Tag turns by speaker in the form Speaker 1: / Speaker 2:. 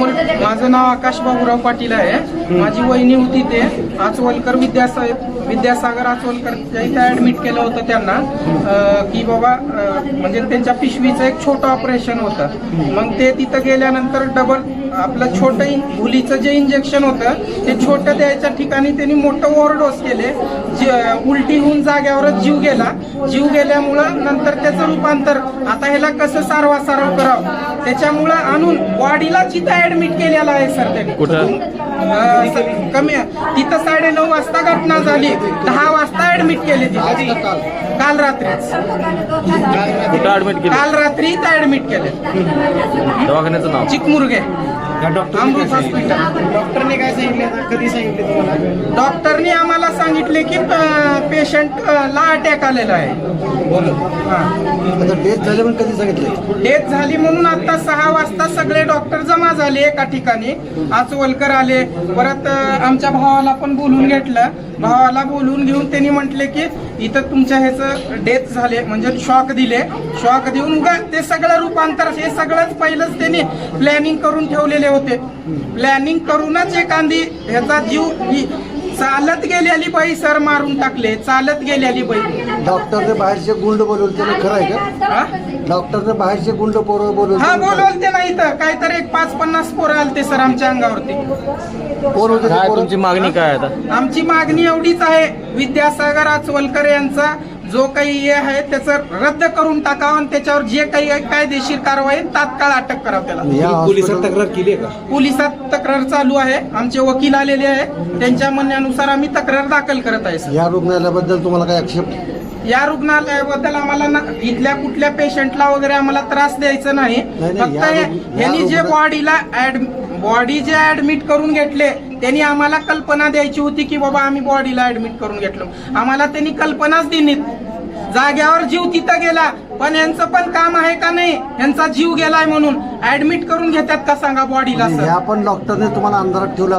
Speaker 1: माझं नाव आकाश बाबूराव पाटील आहे. माझी वहिनी होती ते आचवलकर विद्यासागर आचवलकर इथे ऍडमिट केलं होतं त्यांना की बाबा म्हणजे त्यांच्या पिशवीचं एक छोटं ऑपरेशन होतं. मग ते तिथं गेल्यानंतर डबल आपलं छोटं भुलीचं जे इंजेक्शन होतं ते छोटं द्यायच्या ठिकाणी त्यांनी मोठं ओव्हरडोस केले. उलटी होऊन जाग्यावरच जीव गेल्यामुळं नंतर त्याचं रूपांतर आता ह्याला कसं सारवासारव करावं त्याच्यामुळं आणून बॉडीला जिथं ऍडमिट केलेला आहे सर त्यांनी. कमी तिथं 9:30 वाजता घटना झाली, 10 वाजता ऍडमिट केले तिथे. काल रात्रीच काल रात्री ऍडमिट केले.
Speaker 2: दवाखान्याचं नाव
Speaker 1: चिकमुरगे अमृत हॉस्पिटल.
Speaker 3: डॉक्टरने काय सांगितलं, कधी सांगितले तुम्हाला?
Speaker 1: डॉक्टरनी आम्हाला सांगितले की पेशंटला अटॅक आलेला आहे.
Speaker 3: डेथ झाली पण कधी सांगितलं?
Speaker 1: डेथ झाली म्हणून आता 6 वाजता सगळे डॉक्टर जमा झाले एका ठिकाणी. आचवलकर आले, परत आमच्या भावाला पण बोलून घेतलं. भावाला बोलून घेऊन त्यांनी म्हटले की इथं तुमच्या ह्याचं डेथ झाले म्हणजे शॉक दिले. शॉक देऊन उगा ते सगळं रूपांतर हे सगळंच पहिलंच त्यांनी प्लॅनिंग करून ठेवलेले होते. प्लॅनिंग करूनच एखादी ह्याचा जीव चालत गेलेली बाई सर मारून टाकले. चालत गेलेली बाई.
Speaker 3: डॉक्टरने बाहेरचे गुंड बोलवले, त्याला खरं आहे का? डॉक्टरने बाहेरचे गुंड पोरं बोलवले?
Speaker 1: हा बोलवते नाही तर काहीतरी एक 5-50 पोरं आलते सर आमच्या अंगावरती.
Speaker 2: काय तुमची मागणी काय आता?
Speaker 1: आमची मागणी एवढीच आहे, विद्यासागर आचवलकर यांचा जो काही हे आहे त्याचं रद्द करून टाकावं आणि त्याच्यावर जे काही कायदेशीर कारवाई तात्काळ अटक करावं त्याला.
Speaker 3: पोलिसात तक्रार केली आहे का?
Speaker 1: पोलिसात तक्रार चालू आहे. आमचे वकील आलेले आहे, त्यांच्या म्हणण्यानुसार आम्ही तक्रार दाखल करत आहे सर.
Speaker 3: या रुग्णालयाबद्दल तुम्हाला काय आक्षेप?
Speaker 1: या रुग्णालयाबद्दल आम्हाला इथल्या कुठल्या पेशंटला वगैरे आम्हाला त्रास द्यायचा नाही. फक्त ह्यांनी जे बॉडी जे ऍडमिट करून घेतले त्यांनी आम्हाला कल्पना द्यायची होती की बाबा आम्ही बॉडीला ऍडमिट करून घेतलो. आम्हाला त्यांनी कल्पनाच दिली. जाग्यावर जीव तिथं गेला, पण यांचं पण काम आहे का नाही? यांचा जीव गेलाय म्हणून ऍडमिट करून घेतात का सांगा बॉडीला सर?
Speaker 3: या पण डॉक्टरने तुम्हाला अंधारात ठेवलं.